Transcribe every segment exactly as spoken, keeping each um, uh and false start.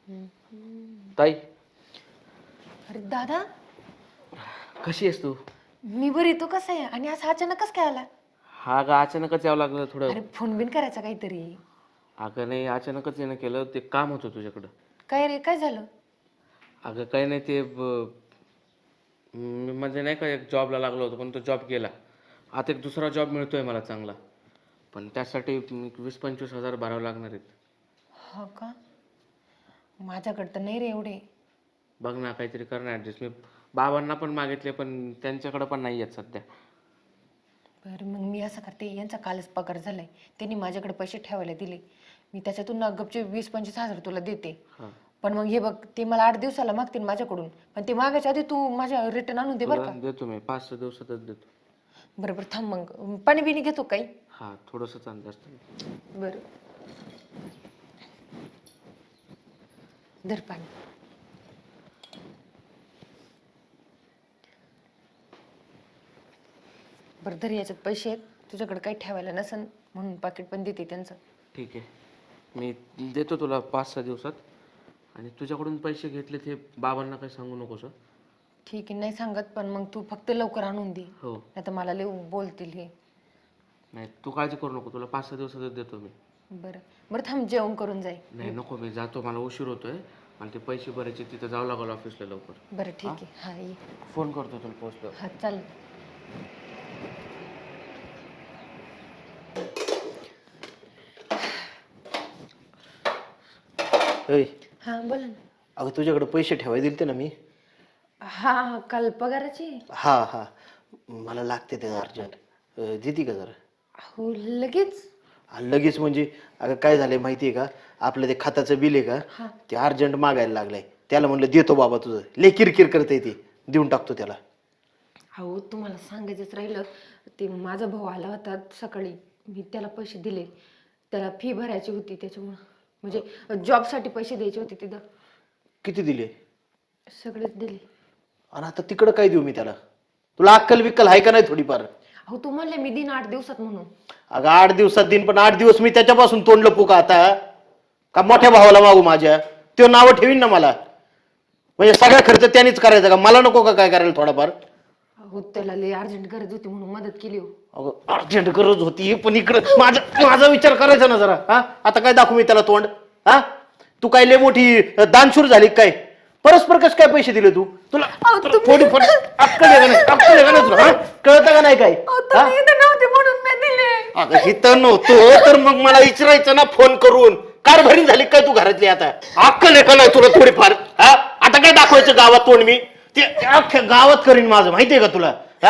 ताई अरे दादा, कशी आहेस तू? मी बरी, तू कसा आहे? आणि असं अचानक कसं काय आला? हा ग अचानकच यावं लागलं थोडं. अरे फोन बिन करायचा काहीतरी. अगं नाही अचानकच येणं केलं, ते काम होतं तुझ्याकडं. काय रे, काय झालं? अगं काही नाही ते ब- म- म्हणजे नाही का एक जॉबला लागलो होतो पण तो जॉब गेला. आता एक दुसरा जॉब मिळतोय मला चांगला, पण त्यासाठी वीस पंचवीस हजार भरावं लागणार आहेत. हो का? माझ्याकडे तर नाही रे एवढे. बघ ना काहीतरी कर ना ॲडजस्ट. मी बाबांना पण मागितले पण त्यांच्याकडं पण नाही आहेत सध्या. बरं मग मी असं करते, यांचा कालच पगार झालाय, त्यांनी माझ्याकडे पैसे ठेवायला दिले, मी त्याच्यातून ना गपचे वीस पंचवीस हजार तुला देते. हां पण मग हे बघ, ते मला आठ दिवसाला मागतील माझ्याकडून, पण ते मागायच्या आधी तू माझ्या रिटर्न आणून दे बरं तुला का. देतो मी, पाच सहा दिवसातच देतो. बरं बरं थांब, मग पाणी बिणी घेतो काही. हां थोडंसंच अंदाज असतं. बरं धर पाणी. बरं धर, याच्यात पैसे आहेत, तुझ्याकडे काही ठेवायला नसन म्हणून पाकिट पण देते त्यांचं. ठीक आहे, मी देतो तुला पाच सहा दिवसात. आणि तुझ्याकडून पैसे घेतले ते बाबांना काही सांगू नकोस हं? ठीक आहे, नाही सांगत, पण मग तू फक्त लवकर आणून दे, हो. नाही तर मला लय बोलतील हे. नाही तू काळजी करू नको, तुला पाच सहा दिवसातच देतो मी. बरं बरं थांब, जेवण करून जाई. नाही नको, मी जातो, मला उशीर होतोय आणि ते पैसे भरायचे, तिथं जावं लागलं ऑफिसला लवकर. बरं ठीक आहे, हा ये. फोन करतो तुला पोहोचलो. हा चाल. ऐ हा बोला ना. अगं तुझ्याकडे पैसे ठेवाय दिलते ना मी. हा हा काल पगाराची. हा हा मला लागते ते अर्जंट, देते का जरा? हो लगेच. हा, लगेच म्हणजे अगं काय झालंय माहितीये का, आपलं ते खताचं बिल आहे का, ते अर्जंट मागायला लागलंय. त्याला म्हणलं देतो बाबा, तुझं लय किरकिर करतंय, ते देऊन टाकतो त्याला. हो तुम्हाला सांगायचंच राहिलं, ते माझा भाऊ आला होता सकाळी, मी त्याला पैसे दिले, त्याला फी भरायची होती त्याच्यामुळं, म्हणजे जॉबसाठी पैसे द्यायचे होते तिथं. किती दिले? सगळेच दिले. आणि आता तिकडं काय देऊ मी त्याला? तुला अक्कल बिक्कल आहे का नाही थोडीफार? हो तू म्हणले मी दिन आठ दिवसात म्हणून. अगं आठ दिवसात देईन, पण आठ दिवस मी त्याच्यापासून तोंड लपू का आता? का मोठ्या भावाला मागू माझ्या? तो नावं ठेवीन ना मला. म्हणजे सगळा खर्च त्यानेच करायचा का? मला नको का काय करायला थोडाफार? हो त्याला लय अर्जंट गरज होती म्हणून मदत केली हो. अगं अर्जंट गरज होती, पण इकडं माझा माझा विचार करायचा ना जरा. हा आता काय दाखवू मी त्याला तोंड? हा तू काय लय मोठी दानशूर झाली काय? परस्पर कस काय पैसे दिले तू? तुला थोडी अक्कल आहे का नाही? अक्कल आहे का नाही तुला? कळतं का नाही काय? नव्हते म्हणून मी दिले. अगं इथं नव्हतं तर मग मला विचारायचं ना फोन करून. कारभारी झाली काय तू घरातली? आता अक्कल आहे का नाही तुला थोडीफार? हा आता काय दाखवायचं गावात तोंड मी? ते अख्ख्या गावात करीन माझं, माहितीये का तुला? हा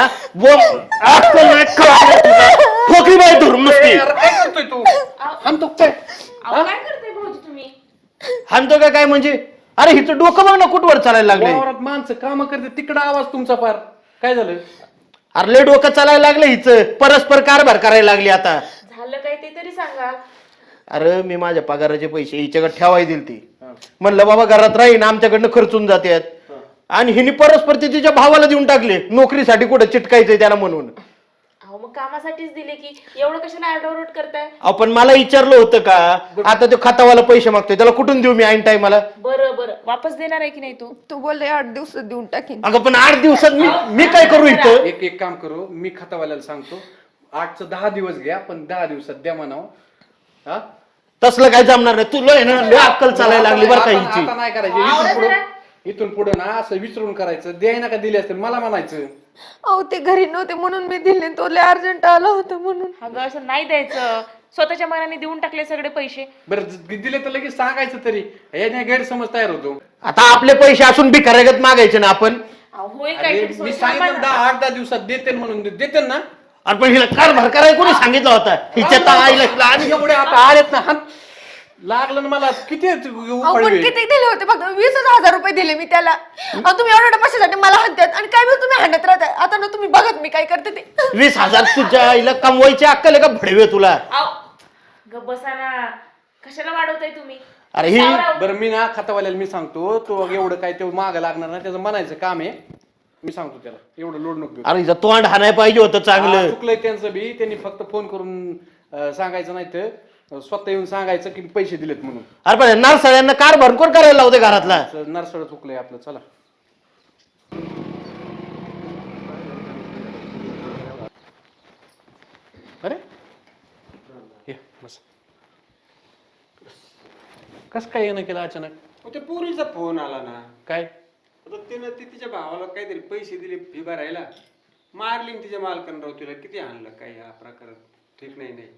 अक्कल नाही तुला, ठोकरी बाई धरून नुसती. काय करतोय तू? हाणतो काय? काय करते भाऊजी तुम्ही? हाणतो का काय म्हणजे? अरे हिचं डोकं बघ ना कुठवर चालायला लागले. वावरात माणसं काम करते, तिकडं आवाज तुमचा पार. काय झालं? अरे लय डोकं चालायला लागलं हिचं, परस्पर कारभार करायला लागली आता. झालं काय ते तरी सांगा. अरे मी माझ्या पगाराचे पैसे हिच्याकडे ठेवाय दिल ती, म्हणलं बाबा घरात राहीन, आमच्याकडनं खर्चून जातात. आणि हिने परस्पर ते तिच्या भावाला देऊन टाकले, नोकरीसाठी कुठं चिटकायचंय त्याला म्हणून. अहो मग कामासाठीच दिले की, एवढं कशाला आरडाओरड करताय? आपण मला विचारलं होतं का? आता तो खातावाला पैसे मागतोय, त्याला कुठून देऊ मी ऐन टायमाला? बरं बरं वापस देणार आहे की नाही तू? तू बोलले आठ दिवसात देऊन टाकीन. अगं पण आठ दिवसात मी मी काय करू इथं? एक एक काम करू, मी खातावाल्याला सांगतो, आठचं दहा दिवस घ्या, पण दहा दिवसात द्या म्हणावं. हा तसलं काय जमणार नाही. तुला आहे ना लय अक्कल चालायला लागली बरं का आता हिची. आता नाही करायचं. इथून पुढं इथून पुढं ना असं विचारून करायचं, द्याय ना का दिले असतील मला म्हणायचं. अहो ते घरी नव्हते म्हणून मी दिले, तो लय अर्जंट आला होता म्हणून. अगं असं नाही द्यायचं, स्वतःच्या मनाने देऊन टाकले सगळे पैसे. बरं ज- दिले तर लगेच सांगायचं तरी, याने गैरसमज तयार होतो. आता आपले पैसे असून भिकाऱ्यागत मागायचे ना आपण? अहो, होईल अरे, काहीतरी मी सोय, थांबा सांगितलं ना. दहा आठ दहा दिवसात देते म्हणून देते ना. अरे पण हिला कारभार करायला कोणी सांगितलं होता? हिच्या तर आईला हिला आणि एवढे आता आलेत ना, हात लागलं ना मला. किती अहो पण उपाडवे? किती दिले होते? फक्त वीस हजार रुपये दिले मी त्याला. अहो तुम्ही एवढ्या पैशासाठी मला हाणतात आणि काय वेळ तुम्ही हाणत राहताय. आता ना तुम्ही बघत मी काय करते ते. वीस हजार तुझ्या आईला कमवायची अक्कल आहे का भडवे तुला? अहो, गप्प बसा ना, कशाला वाढवताय तुम्ही? अरे ही सावराव. बरं मी ना खातावाल्याला मी सांगतो, तो एवढं काय ते मागं लागणार नाही, त्याचं म्हणायचं काम आहे. मी सांगतो त्याला, एवढं लोड नको घेऊ. अरे हिचं तोंड हाणाय पाहिजे होतं हा, चांगलं. चुकलंय त्यांचं बी, त्यांनी फक्त फोन करून अं, सांगायचं नाही तर स्वतः येऊन सांगायचं की पैसे दिलेत म्हणून. अरे पण नरसळ्यांना कार भरकोर करायला लावते घरातला. नरसळ चुकलंय आपलं. चला अरे ये बस. कस काय येणं केलं अचानक? मग ते पोरीचा फोन आला ना. काय आता तिनं ती तिच्या भावाला काहीतरी पैसे दिले फी भरायला, मारली न तिच्या मालकानं राव तिला किती आणलं. काय हा प्रकार ठीक नाही. नाही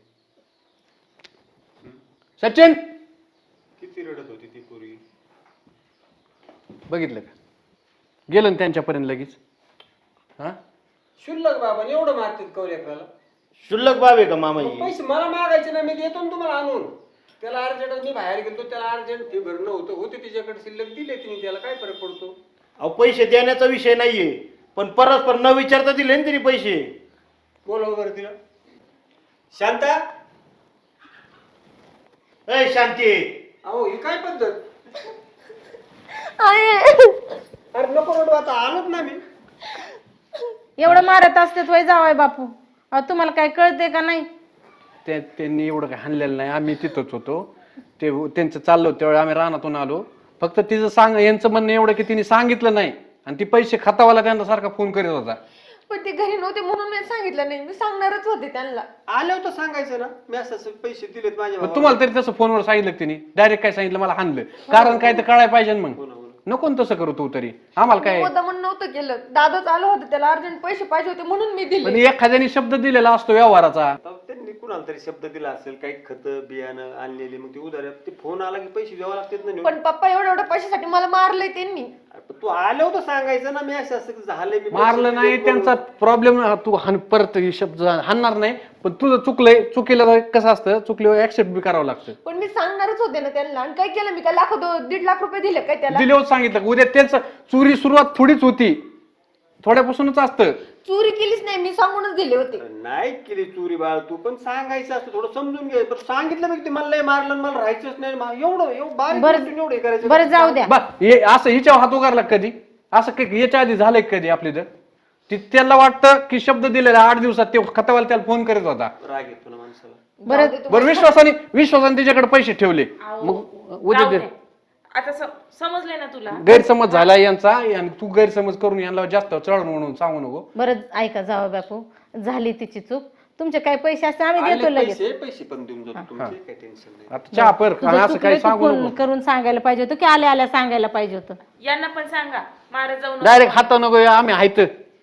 सचिन किती रडत होती ती पोरी. बघितलं का? गेलं ना त्यांच्यापर्यंत लगेच. हा शुल्लक बाबा एवढं मारतात कवल्याकराला. शुल्लक बाब आहे का मामा मग ही? पैसे मला मागायचे ना, मी देतो ना तुम्हाला आणून. त्याला अर्जंट मी बाहेर गेलो, त्याला अर्जंट फी भरणं होतं होते तिच्याकडे शिल्लक दिले तिने, त्याला काय फरक पडतो. अहो पैसे देण्याचा विषय नाहीये, पण परस्पर न विचारता दिले ना तिने पैसे. बोलावं बरं तिला. शांता ए शांती, अहो ही काय पद्धत. आहे. अरे नको रडू, आता आलोच ना मी. एवढं मारत असते वय जावाय बापू. अहो तुम्हाला काय कळते का नाही? ते त्यांनी एवढं काही हाणलेलं नाही. आम्ही तिथंच होतो. ते त्यांचं चाललो त्यावेळी आम्ही रानातून आलो. फक्त तिचं सांग यांचं म्हणणं एवढं की तिने सांगितलं नाही आणि ती पैसे खातावाला त्यांना सारखा फोन करीत होता. पण ते घरी नव्हते म्हणून मी सांगितलं नाही. मी सांगणारच होते त्यांना. आल्यावर तर सांगायचं ना, मी असं असं पैसे दिलेत माझ्या पण भावाला. तुम्हाला तरी तसं फोनवर सांगितलं का तिने? डायरेक्ट काय सांगितलं मला हाणलं. कारण काय तर कळायला पाहिजे ना मग. नको ना तसं करू तू तरी. आम्हाला काय मुद्दा म्हणून नव्हतं केलं. दादाच आलं होतं, त्याला अर्जंट पैसे पाहिजे होते म्हणून मी पण दिले. एखाद्याने शब्द दिलेला असतो व्यवहाराचा. आता त्यांनी कुणाला तरी शब्द दिला असेल, काही खत बियाणं आणलेली, मग ते उधार ते फोन आला की पैसे द्यावं लागतात ना. पण पप्पा एवढ्या एवढ्या पैशासाठी मला मारलंय त्यांनी. अरे पण तू आल्यावर तर सांगायचं ना, मी असं असं झालंय, मी पैसे मारलं नाही दिलेत त्यांचा म्हणून. प्रॉब्लेम. तू हाण परत हे शब्द हाणणार नाही. पण तुझं चुकलंय. चुकीला कसं असतं, चुकल्यावर ऍक्सेप्ट बी करावं लागतं. पण मी सांगणारच होते ना त्यांना. आणि काय केलं मी? काय लाख दो- दीड लाख रुपये दिले काय त्याला? दिल्यावर सांगितलं का? उद्या त्यांचं चोरी सुरुवात थोडीच होती, थोड्यापासूनच असतं. चोरी केलीच नाही, मी सांगूनच दिले होते. नाही केली चोरी बाळ तू, पण सांगायचं असतं, थोडं समजून घे. पण सांगितलं मग ते मला लय मारलं आणि मला राहायचंच नाही. मा- एवढं एवढं बारीक बरं- गोष्टीने एवढं हे करायचं. बरं जाऊ द्या. बा हे असं हिच्यावर हात उगारला का कधी? असं काही याच्या आधी झालंय का कधी आपली? तर ती त्याला वाटतं की शब्द दिलेला आठ दिवसात ते खतावाला त्याला फोन करत होता. राग येतो ना माणसाला. बरं बरं विश्वासाने विश्वासाने त्याच्याकडे पैसे ठेवले. मग उद्या राहू दे. दे. आता स- समजले ना तुला. गैरसमज झाला यांचा आणि तू गैरसमज करून यांना जास्त चढ म्हणून सांगू नको. बरं ऐका जावं बापू, झाली तिची चूक. तुमचे काही पैसे असते आम्ही देतो आले लगेच. पैसे पैसे पण देऊन जातो तुमचे, काही टेन्शन नाही. आता चहा पर तुझं आणि असं चुकलं काही तू सांगू फोन नको. करून सांगायला पाहिजे होतं की आल्या आल्या सांगायला पाहिजे होतं. यांना पण सांगा मारत जाऊ नका. डायरेक्ट हात नको आम्ही हायत.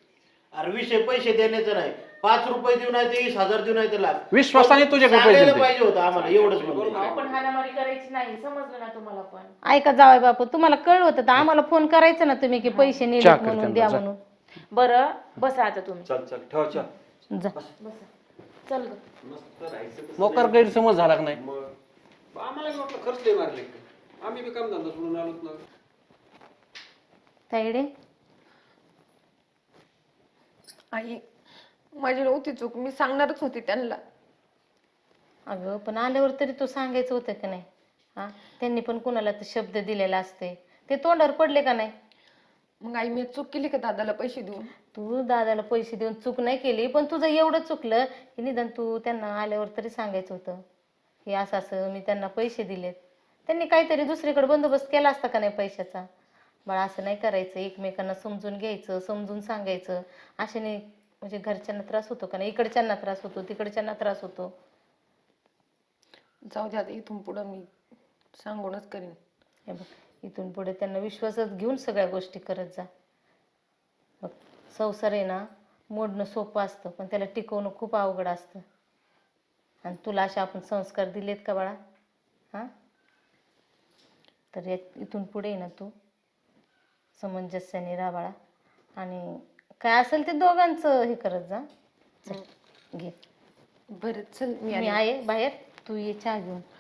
अरे विषय पैसे देण्याचा नाही. पाच रुपये देऊ नाही ते वीस हजार देऊ नाही ते लाख. विश्वासाने तुझ्याकडे पैसे सांगायला दिले. पाहिजे होतं आम्हाला, एवढंच म्हणतो. अहो, पण हाणामारी करायची नाही. समजलं ना तुम्हाला पण. ऐका जावं बापू, तुम्हाला कळलं होतं तर आम्हाला फोन करायचं ना तुम्ही की पैसे चहा नेले कर म्हणून त्यांना, द्या जा. म्हणून. बरं बसा आता तुम्ही. चल चल ठेव चल. जा. चल ग. मस्त राहायचं कसं. मोकार गैरसमज झाला का नाही? मग आम्हाला बी वाटलं खर्च लय मारले का. आम्ही बी काम धंदा सोडून आलोच ना. ताईडे आई, माझी नव्हती चूक. मी सांगणारच होती त्यांना. अगं पण आल्यावर तरी तू सांगायचं होतं का नाही? हा त्यांनी पण कुणाला तर शब्द दिलेला असते, ते तोंडावर पडले का नाही? मग आई, मी चूक केली का दादाला पैसे देऊन? तू दादाला पैसे देऊन चूक नाही केली, पण तुझं एवढं चुकलं की निदान तू त्यांना आल्यावर तरी सांगायचं होतं की असं असं मी त्यांना पैसे दिलेत. त्यांनी काहीतरी दुसरीकडे बंदोबस्त केला असता का नाही पैशाचा? बाळा असं नाही करायचं. एकमेकांना समजून घ्यायचं, समजून सांगायचं. अशाने म्हणजे घरच्यांना त्रास होतो का नाही? इकडच्यांना त्रास होतो, तिकडच्यांना त्रास होतो. जाऊ द्या, आता इथून पुढं मी सांगूनच करीन. हे बघ, इथून पुढे त्यांना विश्वासात घेऊन सगळ्या गोष्टी करत जा. बघ, संसार आहे ना मोडणं सोपं असतं, पण त्याला टिकवणं खूप अवघड असतं. आणि तुला असे आपण संस्कार दिलेत का बाळा? हां तर या इथून पुढे आहे ना तू समंजस्याने राहा बाळा. आणि काय असेल ते दोघांचं हे करत जा. चल घे, बरं चल, मी मी आले. आहे बाहेर, तू ये चहा घेऊन.